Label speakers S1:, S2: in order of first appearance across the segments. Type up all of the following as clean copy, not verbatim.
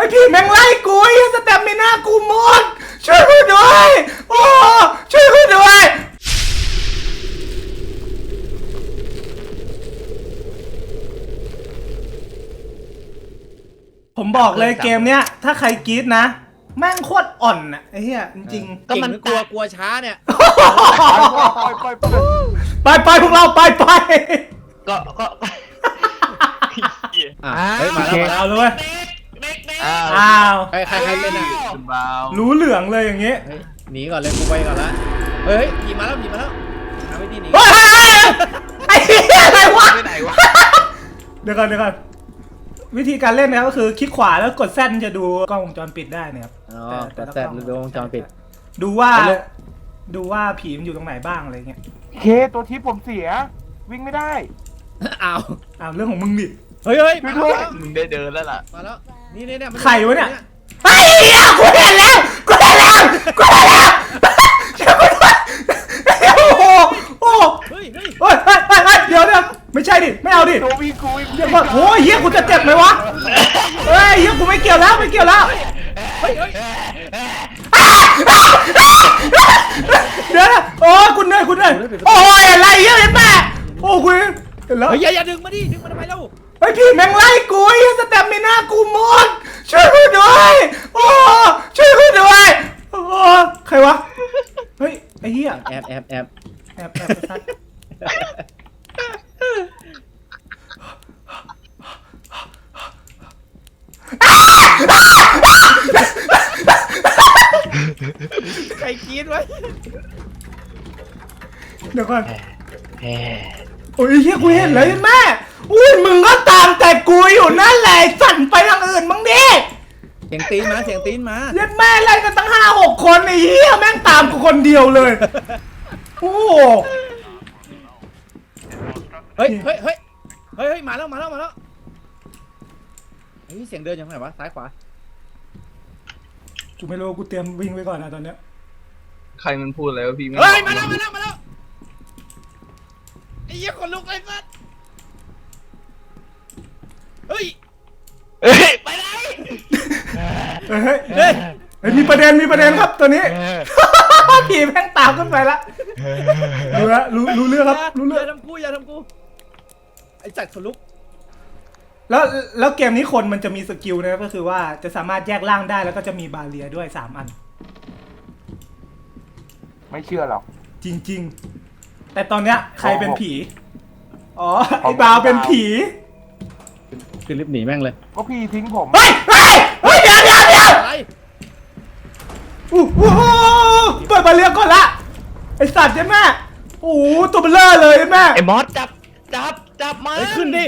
S1: ผีแม่งไล่กูไอ้สเตมิน่ากูหมดช่วยกูด้วยโอ้ช่วยกูด้วยผมบอกเลยเกมเนี้ยถ้าใครกรี๊ดนะแม่งโคตรอ่อนอ่ะไอ้เหี้ยจริงๆ
S2: ก็มันกลัวช้าเนี่ย
S1: ไปพวกเราไป
S3: ก็
S2: เฮ้ยมาแล้ว
S1: เอาเลยอ้าว
S2: ใครเป็นอ่ะ
S1: รู้เหลืองเลยอย่างงี้
S2: หนีก่อนเลยกูไปก่อนละเฮ้ยขี่มาแล้วหาวิธีหนี
S1: ไอ้เหี้ยอะไรวะ
S3: ไปไหนวะ
S1: เดี๋ยวก่อนวิธีการเล่นนะครับก็คือคลิกขวาแล้วกดแซดจะดูกล้องวงจรปิดได้นะครับ
S2: กดแซดดูวงจรปิด
S1: ดูว่าผีมันอยู่ตรงไหนบ้างอะไรเงี้ย
S4: เคตัวทิปผมเสียวิ่งไม่ได้
S2: อ้าว
S1: เรื่องของมึงดิ
S2: เฮ้ย
S3: มึงได้เดินแล้วล่ะ
S2: มาแล้วนี่
S1: ใครวะเนี่ยไอ้เหี้ยกูเห็นแล้วโอ้เฮ้ยเดี๋ยวไม่ใช่ดิไม่เอาดิ
S4: ตัววิ่งกู
S1: เดี๋ยวก่อนโอ้ยเฮียกูจะเจ็บไหมวะเฮ้ยเฮียกูไม่เกี่ยวแล้วเดี๋ยวโอ้คุณเหนื่อยโอ้ยอะไรเฮียแม่โอ้คุณเห็นแล้ว
S2: อย่าดึงมาทำไมเล่า
S1: ไอ้ผีแม่งไล่กูไอ้สเตมิน่ากูหมดช่วยกูด้วยโอ้ช่วยกูด้วยโอ้ใครวะเฮ้ยไอ้เหี้ย
S2: แอบใครคิดไว้
S1: เดี๋ยวก่อนโอ้ยเฮียกูเห็นเลยแม่อุ้ยมึงก็ตามแต่กูอยู่นั่นแหละสั่นไปทางอื่นมึงดิ
S2: เสียงตีนมา
S1: เล่นแม่ไล่กันตั้ง5-6 คนไอ้เหี้ยแม่งตามกูคนเดียวเลยโอ้
S2: เฮ้ยมาแล้วเฮ้ยเสียงเดินยังไงวะซ้ายขวา
S1: กูไม่รู้กูเตรียมวิ่งไว้ก่อนนะตอนเนี้ย
S3: ใครมันพูดอะไรวะพี่
S2: เฮ้ยมาแล้วไอ้เหี้ยคนลุกไอ้สัสเฮ้ย
S3: ไปไหน
S1: เฮ้ยมีประเด็นครับตัวนี้ผีแม่งตามขึ้นไปละรู้เรื่องครับรู้เรื่อง
S2: อย่าทำกูไอ้จัดคนลุก
S1: แล้วเกมนี้คนมันจะมีสกิลนะก็คือว่าจะสามารถแยกร่างได้แล้วก็จะมีบาเรียด้วย3 อัน
S4: ไม่เชื่อหรอก
S1: จริงๆแต่ตอนเนี้ยใครเป็นผีอ๋อไอ้บาวเป็นผี
S2: คือรีบหนีแม่งเลย
S4: ก็พี่ทิ้งผม
S1: เฮ้ยเดี๋ยว
S2: อะไร
S1: เปิดบาเรียก่อนละไอ้สัตว์ใช่ไหมโอ้ตัวเบลอเลยแม่
S3: ไอ้มอสจับมา
S2: ขึ้นดิ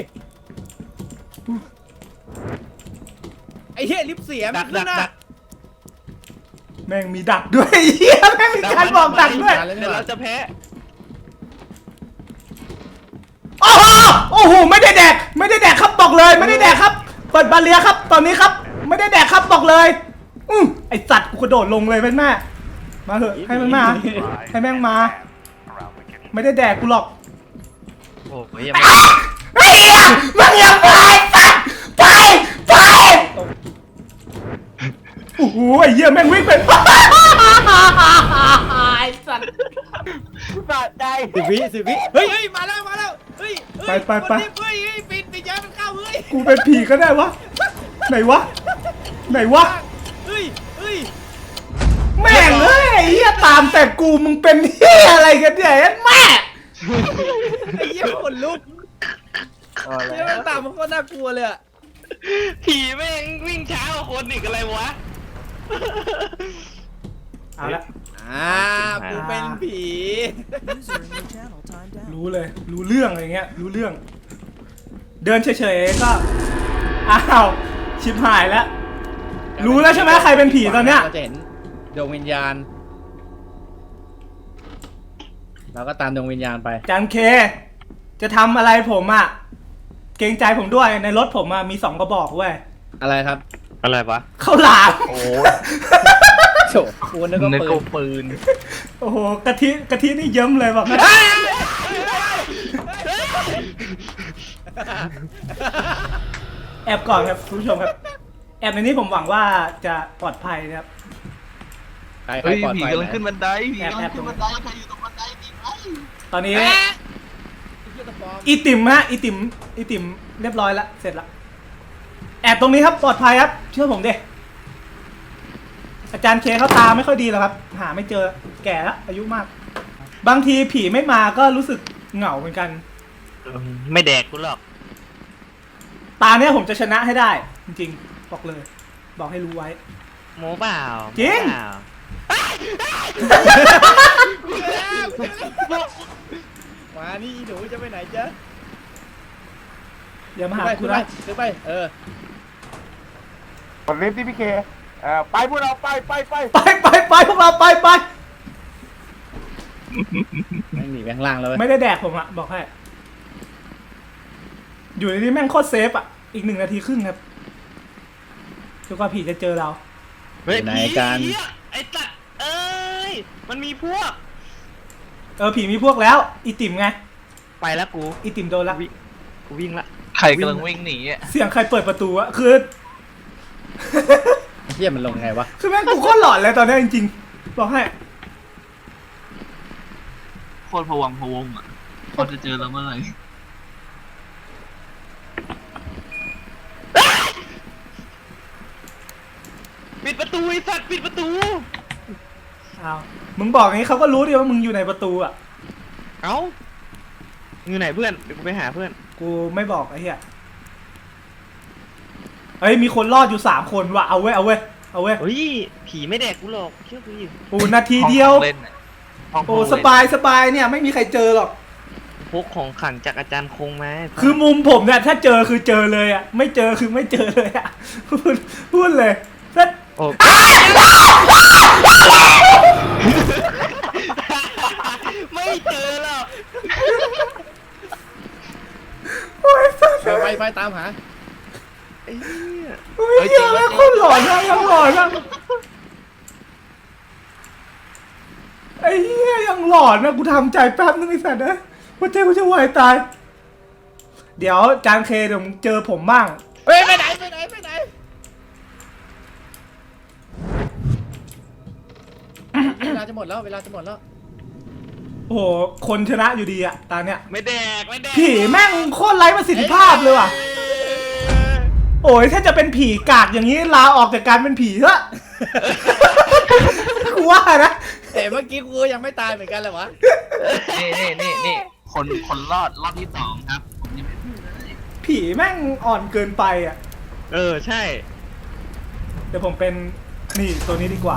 S2: ไอ้เหี้ยลิฟเสียมันขึ้นนะ
S1: แม่งมีดักด้วยเหี้ยแม่งมีการบอกดักด้วย
S3: เดี๋ยวเราจะแพ้
S1: โอ้โหไม่ได้แดกครับบอกเลยไม่ได้แดกครับเปิดบาเรียครับตอนนี้ครับไม่ได้แดกครับบอกเลยไอสัตว์กูกระโดดลงเลยแม่มาเถอะให้มันมาให้แม่งมาไม่ได้แดกกูหรอก
S3: โอ้ย
S1: ไอ้เหี้ยมึงยังไปสัตว์ไปโอ้โหไอ้เหี้ยแม่งวิ่งไปไอ้สัตว์
S4: บาดใจ
S2: 10 วิเฮ้ยมาแล้วเฮ้ย
S1: ไป
S2: ปิดย้ายมันเข้าเฮ้ย
S1: กูเป็นผีก็ได้วะไหนวะ
S2: เฮ้ย
S1: แม่งเฮ้ยไอ้เหี้ยตามแต่กูมึงเป็นเหี้ยอะไรกันเนี่ยแม่
S2: ไอ้เหี้ยคนลุกเนี่ยมันตามมันก็น่ากลัวเลยอะ
S3: ผีแม่งวิ่งช้ากว่าคนอีกอะไรวะ
S1: เอาละ
S2: กูเป็นผี
S1: รู้เลยรู้เรื่องอะไรเงี้ยรู้เรื่องเดินเฉยๆก็อ้าวชิบหายแล้วรู้แล้วใช่ไหมใครเป็นผีตอนเนี้ย
S2: เราจะเห็นดวงวิญญาณเราก็ตามดวงวิญญาณไป
S1: จันเคจะทำอะไรผมอ่ะเกรงใจผมด้วยในรถผมมี2 กระบอกเว้ย
S2: อะไรครับ
S3: อะไรวะ
S1: ข้าวหลาม
S3: โอ้
S2: โฉบคูนึกว่า
S3: ปืน
S1: โอ้โหกะทินี่เยิ้มเลยแบบแอบก่อนครับคุณผู้ชมครับแอบในนี้ผมหวังว่าจะปลอดภัยนะครับ
S2: ใคร
S5: เฮ้ย
S2: ปลอด
S5: ผี
S2: ภัย
S5: กำลังขึ้นบันไดผี
S1: แอบ
S5: กำ
S1: แอ
S5: ลั
S1: บ
S5: งขึ้นบันไดใครอยู่ตรงบันไดผีไหม
S1: ตอนนี้
S2: เอ๊ะเหี้ยตะปอม
S1: อีติมฮะอีติมเรียบร้อยแล้วเสร็จแล้วแอบตรงนี้ครับปลอดภัยครับเชื่อผมดิอาจารย์เคเขาตาไม่ค่อยดีหรอกครับ หาไม่เจอแก่แล้วอายุมาก บางทีผีไม่มาก็รู้สึกเหงาเหมือนกัน
S3: ไม่แดกกูหรอก
S1: ตาเนี้ยผมจะชนะให้ได้ จริงๆบอกเลย บอกให้รู้ไว้
S3: โมเปล่า
S1: จริง
S3: โม้เปล่า
S2: มานี่หนูจะไปไหนจ๊ะ
S1: อย่ามาหา
S2: ไป
S1: กู
S2: ขึ้นไป
S1: นะ
S2: ขึ้นไป
S4: กดลิฟต์ที่พี่เคไปพวกเราไป
S1: ไปพวกเราไป
S2: ไม่หนีไปข้างล่างแล้วเว้ย
S1: ไม่ได้แดกผมอะบอกให้ อยู่ในนี้แม่งโคตรเซฟอะอีก1 นาทีครึ่งครับจนกว่าผีจะเจอเรา
S3: เฮ้ย
S2: ไหน
S3: ผี
S2: กัน
S3: ไอ้ตัดเอ้ยมันมีพวก
S1: ผีมีพวกแล้ว อีติ่มไง
S3: ไปแล้วกู
S1: อีติ่มโดนละ
S3: กูวิ่งละ
S5: ใครกำลังวิ่งหนีอ่ะ
S1: เสียงใครเปิดประตูอะคือ
S2: เหี้ยมันลงไงวะ
S1: คือแม่งกูโคตรหลอนเลยตอนนี้จริงๆบอกให้
S5: โคตรพะวังพะวงอ่ะเขาจะเจอเราเมื่อไหร่
S3: ปิดประตูไอ้สัตว์ปิดประตู
S1: อ้าวมึงบอกอย่างนี้เขาก็รู้ดิว่ามึงอยู่ในประตูอะ
S3: เอ้าอยู่ไหนเพื่อนเดี๋ยวกูไปหาเพื่อน
S1: กูไม่บอกไอ้เหี้ยเฮ้ยมีคนรอดอยู่3 คนว่ะเอาเว้ย
S3: เฮ้ยผีไม่แดกกูหรอกเชื่อกูดิ
S1: โอ้นาทีเดียว
S5: ห้องเล่นน่ะห้อง
S1: โอ้
S5: เล่น
S1: สบายเนี่ยไม่มีใครเจอหรอก
S3: พกของขลังจากอาจารย์คงมา
S1: คือมุมผมเนี่ยถ้าเจอคือเจอเลยอะไม่เจอคือไม่เจอเลยอะ พูดเลยถ้า
S3: โอ้ ไม่เจอหรอก
S1: โอ้ยสัส
S2: ไปตามหา
S3: ไอ้เหี้ย
S1: โอ้ยเหี้ยแม่งโคนหลอนนะยังหลอนนะไอ้เหี้ยยังหลอนนะกูทำใจแป๊บนึงไอ้สัตว์นะว่าใจกูจะวายตาย เดี๋ยวจานเคเดี๋ยวมึงเจอผมบ้าง
S2: เฮ้ยไปไหนเวลาจะหมดแล้ว
S1: โอ้โหคนชนะอยู่ดีอะตาเนี้ย
S3: ไม่แดกไม่แดก
S1: ผีแม่งโคตรไร้ประสิทธิภาพเลยว่ะ โอ้ยถ้าจะเป็นผีกากอย่างนี้ลาออกจากการเป็นผีเถอะ กูว่านะ
S2: แต่เมื่อกี้กูยังไม่ตายเหมือนกันเลยวะ
S5: นี่คนรอดรอบที่2ครับผมยังไม่พูดเลย
S1: ผีแม่งอ่อนเกินไปอ่ะ
S3: เออใช่
S1: เดี๋ยวผมเป็นนี่ตัวนี้ดีกว่า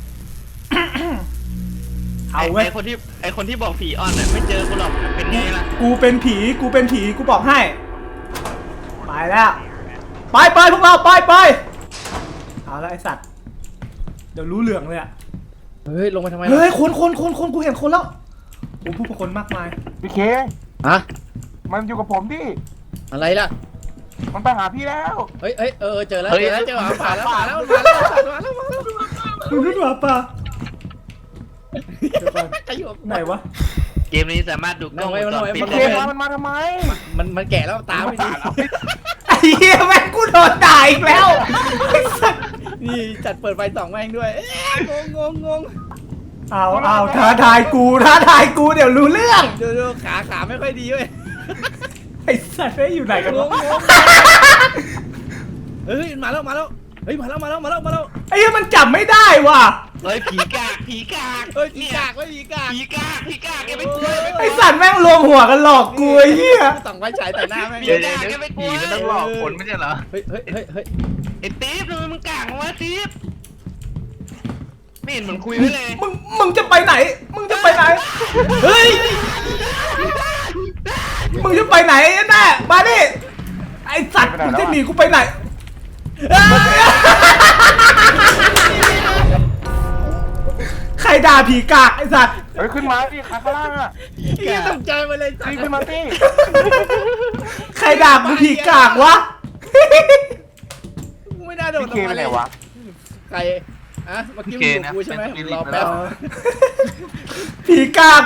S1: เอาเว้ย
S3: ไอคนที่บอกผีอ่อนน่ะไม่เจอกูหรอกเป็นไงล่ะ
S1: กูเป็นผีกูบอกให้ ไปแล้ว ไปพวกเราไปเอาละไอสัตว์ เดี๋ยวรู้เหลืองเลยอ่ะ
S2: เฮ้ยลงมาทำไม
S1: เฮ้ยคนกูเห็นคนแล้วโอ้ผู้คนมากมาย
S4: พี่เค
S2: ฮะ
S4: มันอยู่กับผมดิ
S2: อะไรล่ะ
S4: มันไปหาพี่แล้ว
S2: เฮ้ยเจอแล้วผ่านแล้ว
S1: มึงรู้หรือเปล่าเดี๋ยวก่อน
S2: จะอยู่
S1: ไหนวะ
S3: เกมนี้สามารถดูกล้องวงจรปิด
S4: พี่เค
S3: ได้เลย
S4: มันมาทำไม
S2: มันแก่แล้วตาไม่ดี
S1: ไอ้เหี้ยแม่งกูโดนด่าอีกแล้วไอ้สัตว์
S2: นี่จัดเปิดไฟ2แม่งด้วยงง
S1: เอาท้าทายกูเดี๋ยวรู้เรื่อง
S2: ดูขาไม่ค่อยดีเว้ย
S1: ไอ้สัตว์ไอ้อยู่ไหนกันวะ
S2: เฮ้ยมาแล้วเฮ้ยมาแล้ว
S1: ไอ้เหี้ยมันจับไม่ได้ว่ะ
S3: เฮ้ยผีกาก
S2: เฮ้ยผีกาก
S3: ผีกากแกไม่กลัว
S1: ไอ้สัตว์แม่งรวมหัวกันหลอกกูไอ้เหี้ย
S2: ส่องไฟฉายแต่หน้าแม่ง
S5: เดี๋ยวผีมันต้องหลอกคนไม่ใช่เหรอ
S2: เฮ้ย
S3: ไอ้ติ๊บทำไมมึงกากวะติ๊บไม่เห็นเหมือนคุยไว้เลย
S1: มึงจะไปไหนเฮ้ยมึงจะไปไหนแน่มาดิไอ้สัตว์มึงจะหนีกูไปไหนใครด่าผีกากไอ้สัตว์
S4: เฮ้ยขึ้นมาดิขาข้างล่างอ่ะ
S2: เฮียตกใจมาเลยสัต
S4: รีบ
S2: ว์
S4: ขึ้นมาสิ
S1: ใครด่ากูผีกากวะ
S2: ไม่น่าโดน
S4: พี่เคไปไหนวะ
S2: ใครอะเมื่อกี้มึงอยู่กูใช่ไหมรอแป๊บ
S1: ผีกาก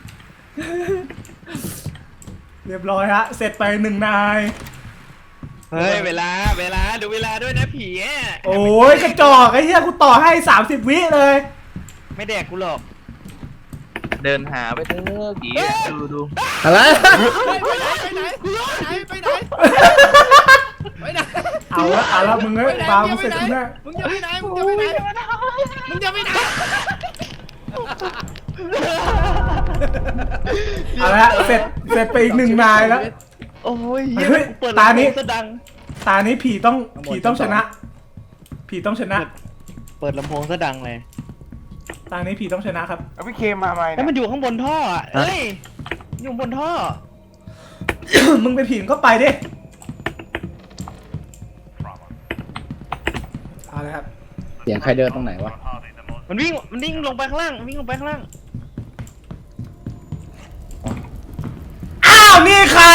S1: เรียบร้อยฮะเสร็จไป1 นาย
S3: เฮ้ยเวลาดูเวลาด้วยนะผีอ่ะ
S1: โอ้ยกระจอกไอ้เหี้ยกูต่อให้30 วิเลย
S3: ไม่แดกกูหรอก
S5: เดินหาไปเถอะผีดู
S2: อะไร
S1: เอาละมึงเอ้ยฟาวมึงเสร็จกูแน่
S2: มึงจะไปไหน
S1: เอาละเสร็จไปอีก1 นายแล้ว
S3: โอ้ย
S1: เฮ้ย
S3: เปิด
S1: ตานี้
S3: ลำโพงซะดัง
S1: ตานี้ผีต้องชนะ ผีต้องชนะ
S3: เปิดลำโพงซะดังเลย
S1: ตานี้ผีต้องชนะครับ
S4: เอาพี่เคมาไหม
S3: แล้วมันอยู่ข้างบนท่ออ่ะเอ้ยอยู่บนท่อ
S1: มึงเป็นผีมึงก็ไปดิเอาเลยครับ
S2: เสียงใครเดินตรงไหนวะ
S3: มันวิ่งลงไปข้างล่างวิ่งลงไปข้างล่าง
S1: อ้าวนี่ใคร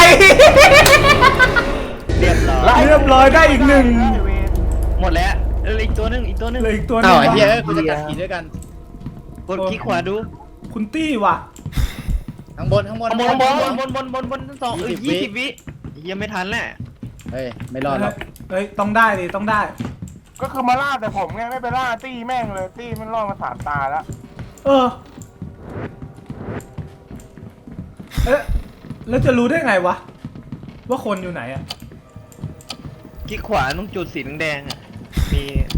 S3: เรียบร้อย
S1: เรียบร้อยได้อีก1
S3: หมดแล้วอีกตัวหนึง
S1: เหลืออีกตัวหนึ
S2: อ้าง วไอ้เหี้ยกูจะกัดขี่ด้วยกัน
S3: กดคลิกขวาดู
S1: คุณตี้ว่ะ
S2: ข้างบน
S3: บนทั้งสอง20 วิยังไม่ทันแหละ
S2: เฮ้ยไม่รอดหรอก
S1: เฮ้ยต้องได้ดิต้องได้
S4: ก็คือมาล่าแต่ผมไงไม่ไปล่าตี้แม่งเลยตี้มันล่อมา3 ตาแล้ว
S1: เออเอ๊ะแล้วจะรู้ได้ไงวะว่าคนอยู่ไหนอะ
S3: คลิกขวาตรงจุดสีแดงๆอ่ะมี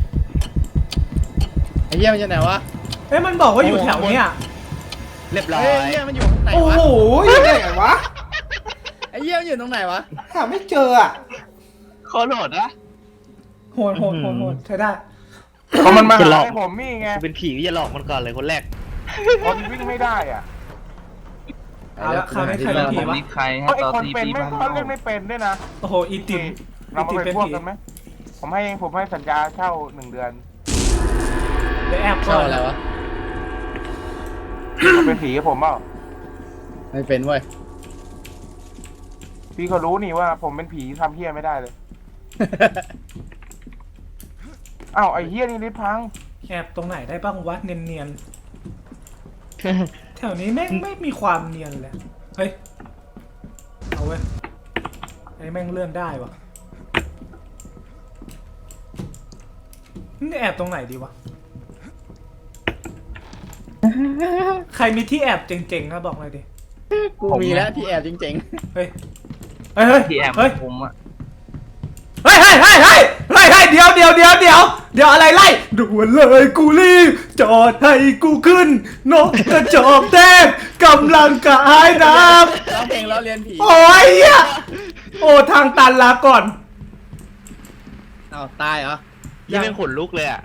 S2: ไอ้เหี้ยมันจะไหนวะ
S1: เอ๊ะมันบอกว่าอยู่แถวเนี้ย
S3: เรียบร้อ
S2: เฮ้ย
S3: ย
S2: ไอ้เหี้ยมันอยู่ตรงไหน
S1: โอ้
S2: วะ
S1: โหอยู่ไหนวะ
S2: ไอ้เหี้ยมันอยู่ตรงไหนวะ
S1: หาไม่เจออะ
S5: ขอโหลดนะ
S1: โหดใช้ได้
S4: เพราะมันมาหาให้ผมนี่ไง
S3: กูเป็นผีก็จะหลอกมันก่อนเลยคนแรก
S4: คนวิ่งไม่ได้อ่ะ
S1: เอาละคราวนี้ใครเป็นผี
S5: ผม
S1: วะ
S5: มีใคร
S4: เพ
S5: ให้
S4: ราะไอ้
S5: ต่อ
S4: คน
S5: ตี
S4: เป็น
S5: ปี
S4: ไม่
S5: บ้าง
S4: เขาเล่นไม่เป็นด้วยนะ
S1: โอ้โหอีติม
S4: เรามา
S1: อี
S4: เป็น
S1: ติม
S4: พวก
S1: ผี
S4: กันไหมผมให้สัญญาเช่า1 เดือน
S1: เดี๋ยวแอบก่
S2: เข้า
S1: อน
S2: อะไรวะ
S4: เป็นผีกับผมเปล่า
S2: ไม่เป็นเว้ย
S4: พี่เขารู้นี่ว่าผมเป็นผีทำเฮี้ยไม่ได้เลยอ้าวไอ้เฮี้ยนี่ลิฟต์พัง
S1: แอบตรงไหนได้บ้างวะเนียนๆแถวนี้แม่งไม่มีความเนียนเลยเฮ้ยเอาเว้ยไอ้แม่งเลื่อนได้วะนี่แอบตรงไหนดีวะใครมีที่แอบเจ๋งๆครับบอกเลยดิ
S2: กูมีแล้วที่แอบจริง
S1: เฮ้ยเฮ้ย
S5: ที่แอบ
S1: เฮ้ย
S5: ผมอะ
S1: เฮ้ยเดี๋ยวอะไรไล่ด่วนเลยกูรีบจอดให้กูขึ้นนกกระจอกแทกกำลังกายน้
S2: ๆร้องเพลงล้อเลียนผี
S1: ำโอ้ยเหี้ยโอ้ทางตันลาก่อน
S2: อ้าวตายเหรอ
S3: ยังเป็นขนลุกเลยอ่ะ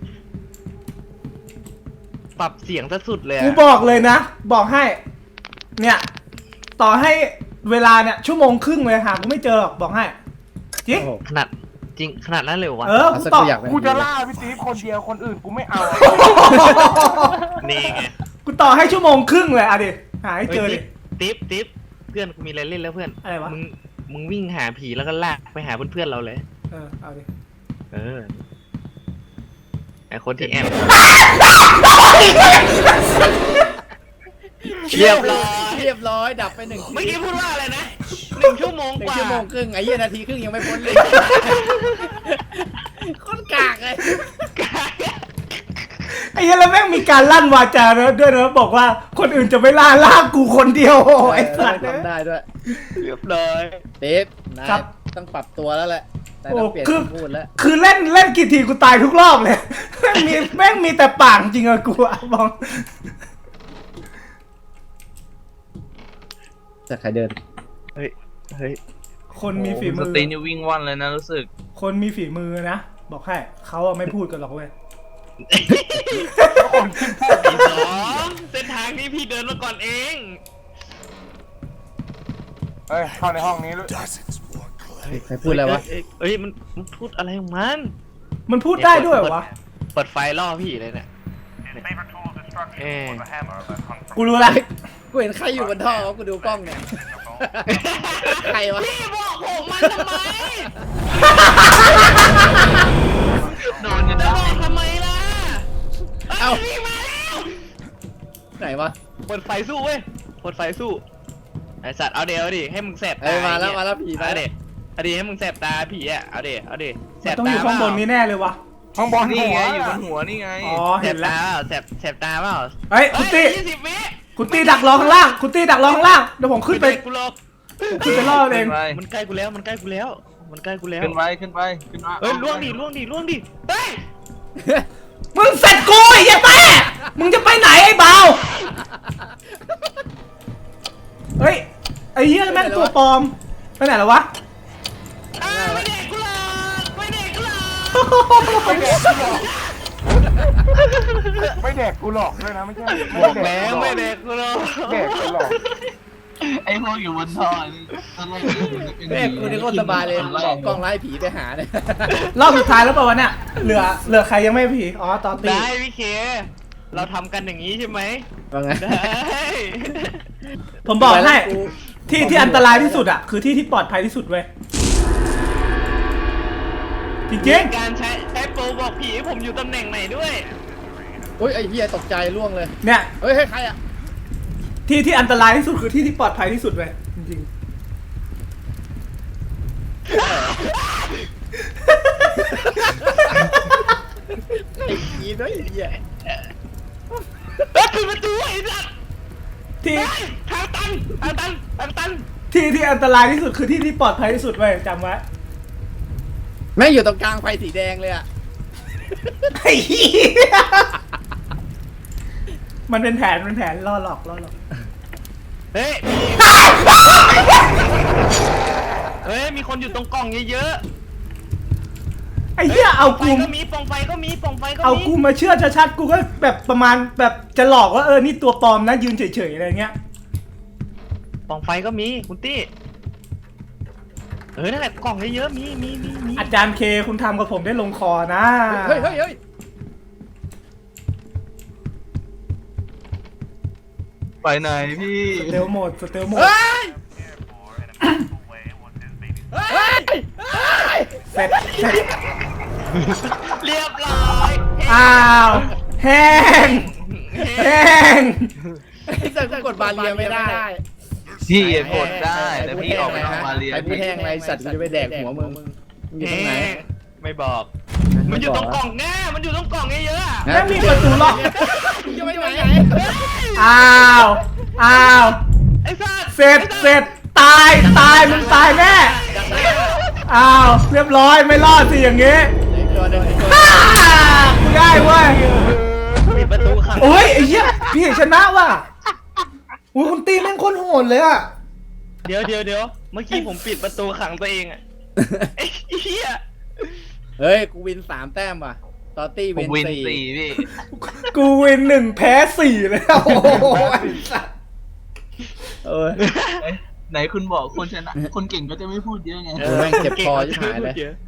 S3: ปรับเสียงซะสุดเลย
S1: กู
S3: อะ
S1: บอกเลยนะ บอกให้ เนี่ยต่อให้เวลาเนี่ยชั่วโมงครึ่งเลยหากูไม่เจอหรอกบอกให้จริง
S2: โอ้โห
S3: ขนาดจริงขนาดนั้นเลยวะ
S1: เออ
S2: เอา
S1: กู
S2: สัก
S1: ตอบ
S2: กูอยากเป็น
S4: กูจะล่าพี่ตีคนเดียวคนอื่นกูไม่เอา
S3: นี่ไง
S1: กูต่อให้ชั่วโมงครึ่งเลยอะดิหาให้เจอดิ
S3: ติ๊บเพื่อนกูมีอะไรเล่นแล้วเพื่อน
S1: อะไรวะ
S3: มึงวิ่งหาผีแล้วก็ลากไปหาเพื่อนๆเราเลย
S1: เอาดิ
S3: เออไอคนที่แอบเรียบร้อย
S2: เรียบร้อยดับไป1
S3: เมื่อกี้พูดว่าอะไรนะ1 ชั่วโมง
S2: หนึ่
S3: ก
S2: ง
S3: ว่า
S2: ชั่วโมงครึ่งไอ้เหี้ยนาทีครึ่งยังไม่พ้นเลยโคตรกากเลย
S1: ไอ้เหี้ยแล้วแม่งมีการลั่นวาจาด้วยนะบอกว่าคนอื่นจะไม่ล่ากูคนเดียวโอ้ไอ้สัตว์
S2: ทำได้ด้วย
S3: เรียบร้อย
S2: เต๊บนายต้องปรับตัวแล้วแหละนายต้องเปลี่ยนคำพูดแล้ว
S1: คือเล่นกี่ทีกูตายทุกรอบเลย แม่งมีแต่ปากจริงอะกูอะมอง
S2: จะใครเดิน
S3: เฮ้ย
S1: คนมีฝี
S5: ส
S1: มือ
S5: ตรีนี่วิ่งว่อนเลยนะรู้สึก
S1: คนมีฝีมือนะบอกให้เขาอะไม่พูดกันหรอกเว้ย
S3: พี่สองเส้นทางนี้พี่เดินมาก่อนเอง
S4: เฮ้ยเข้าในห้องนี้เลย
S2: ใครพูดอะไรวะ
S3: เอ้ยมันพูดอะไรของมัน
S1: มันพูดได้ด้วยเหรอวะ
S3: เปิดไฟล่อพี่เลยเนี่ยเอ๊ะ
S1: กูรู้ละ
S2: กูเห็นใครอยู่บนท่อกูดูกล้องเนี่ย ใครวะ
S3: พี่บอกผมมันทำไม
S5: โดนกัน
S3: จะ
S5: ได้
S3: บอกทำไมล่ะ
S2: เอ้า
S3: พี่มาแล้ว
S2: ไหนวะ
S3: เปิดไฟสู้เว้ยเปิดไฟสู้ไอสัตว์เอาเดี๋ยวดิให้มึงแสบ
S2: เอ้ยมาแล้วผี
S3: มา
S2: มา
S3: เด็ดเอาดิให้มึงแสบตาผีอ่ะเอาดิเอาดิแส
S1: มัน
S3: บ
S1: ต้อง
S3: ตา
S1: อยู่ข้างบนนี้แน่เลยวะ
S4: ข้างบน
S5: นี่
S4: หัว
S5: ไงอยู่บนหัวนี่ไง
S1: อ๋อ
S3: แส
S1: เห็
S3: บ
S1: นแล้
S3: ตาว แสบตาเปล่า
S1: เฮ้ยคุณตี้
S3: 20 วิ
S1: คุณตี้ดักรอข้างล่างคุณตี้ดักรอข้างล่างเดี๋ยวผมขึ้นไป
S3: กูหลอก
S1: ขึ้นไปล่อเอง
S5: ขึ้นไป
S3: มันใกล้กูแล้วมันใกล้กูแล้วมันใกล้กูแล้ว
S5: ขึ้นไปขึ้นไปขึ้นมา
S3: เฮ้ยล่วงดิล่วงดิล่วงดิเฮ้ย
S1: มึงเสร็จกูไอ้เหี้ยแป้มึงจะไปไหนไอ้เบาเฮ้ยไอ้เหี้ยแม่งตัวปลอมไปไหนแล้ววะ
S3: ไม่เด็กกูหลอกไม่เด็กกูหลอก
S4: ไม่แดกกูหรอกด้วยนะไม่ใช่
S3: บอกแล้วไม่เด็กกูหลอก
S4: แดกกูหรอก
S5: ไอ้พวกอยู่บนท่อนี่ตอนแรกมันจะเป็น
S2: แม่งคุณนี่โคตรสบายเลยบอกกล้องไล่ผีไปหาเนี่ย
S1: รอบสุดท้ายแล้วเปล่าวะเนี่ยเหลือใครยังไม่ผีอ๋อตอนตี
S3: ได้พี่เค เราทำกันอย่างนี้ใช่ไหม
S2: ว่าไง
S3: ได้
S1: ผมบอกให้ที่อันตรายที่สุดอ่ะคือที่ที่ปลอดภัยที่สุดเว้ยจริง
S3: การใช้โปรบอกผีผมอยู่ตำแหน่งไหนด้วย
S2: อุ้ยไอ้เหี้ยตกใจล่วงเลย
S1: ๆเนี่ย
S2: เฮ้ยใครอ่ะ
S1: ที่อันตรายที่สุดคือที่ที่ปลอดภัยที่สุดเว้ยจริง
S2: ไอ้ผีด้วยไอ้เหี้ย
S3: เฮ้ยปิดประตูไอ้สัส
S1: ๆที่
S3: ทางตันทางตันทางตัน
S1: ที่อันตรายที่สุดคือที่ที่ปลอดภัยที่สุดเว้ยจำไว้
S2: แม่งอยู่ตรงกลางไฟสีแดงเลยอ่ะ
S1: ไอ้เหี้ยมันเป็นแผนล่อหลอก
S3: เฮ้ยเฮ้ยมีคนอยู่ตรงกล่องเยอะ
S1: ไอ้เหี้ยเอา
S3: ๆไฟ
S1: กู
S3: ก็มีปล่องไฟก็มีปล่องไฟก็
S1: เอา
S3: มี
S1: กูมาเชื่อชัดๆกูก็แบบประมาณแบบจะหลอกว่านี่ตัวปลอมนะยืนเฉยๆอะไรเงี้ย
S3: ปล่องไฟก็มีคุณตี้นั่นแหละกล่องเยอะๆมี
S1: อาจารย์เคคุณทำกับผมได้ลงคอนะ
S2: เฮ้ย
S5: ไปไหนพี่
S1: สเตลโหมด
S2: เฮ้ยเฮ้ย
S1: เสร็จ
S3: เรียบร้อย
S1: อ้าวแห้ง
S2: ไอ้สัตว์กูกดบาเรียไม่ได้
S5: พี่กดได้แต่พี่ออกไปนอกบาเรีย
S2: ใครพูดแห้งไรสัตว์กูจะไปแดกหัวมึงอยู่ตรงไหน
S3: ไม่บอก มันอยู่ตรงกล่องแน่มันอยู่ตรงกล่องเยอะๆอะ
S1: แล้วมีประตูล็อก
S2: มึงจะไปไหน
S1: อ้าว
S3: ไอ้สัตว์
S1: เสร็จตายมึงตายแน่อ้าวเรียบร้อยไม่รอดสิอย่างงี้
S2: ตัวเดิน
S1: อ้ากูได้เว้ย
S3: ปิดประตูขัง
S1: โอ้ยไอ้เหี้ยพี่ชนะว่ะอุ้ยคุณตีแม่งโคนโหดเลยอะ
S3: เดี๋ยวเมื่อกี้ผมปิดประตูขังตัวเองอะไอ้เหี้ย
S2: เฮ้ยกูวิน3 แต้มว่ะตอตี้
S5: ผม
S2: วิ
S5: วิ
S2: น
S5: น
S2: 4
S5: 4พี่
S1: กูวิน1แพ้4เลยโอ้โหไอ้สัส
S2: เออ
S5: ไหนคุณบอกคนชนะ คนเก่งก็จะไม่พูดเยอะไง
S2: แม่งเจ็บคอชิบหายเลย
S3: เก่ง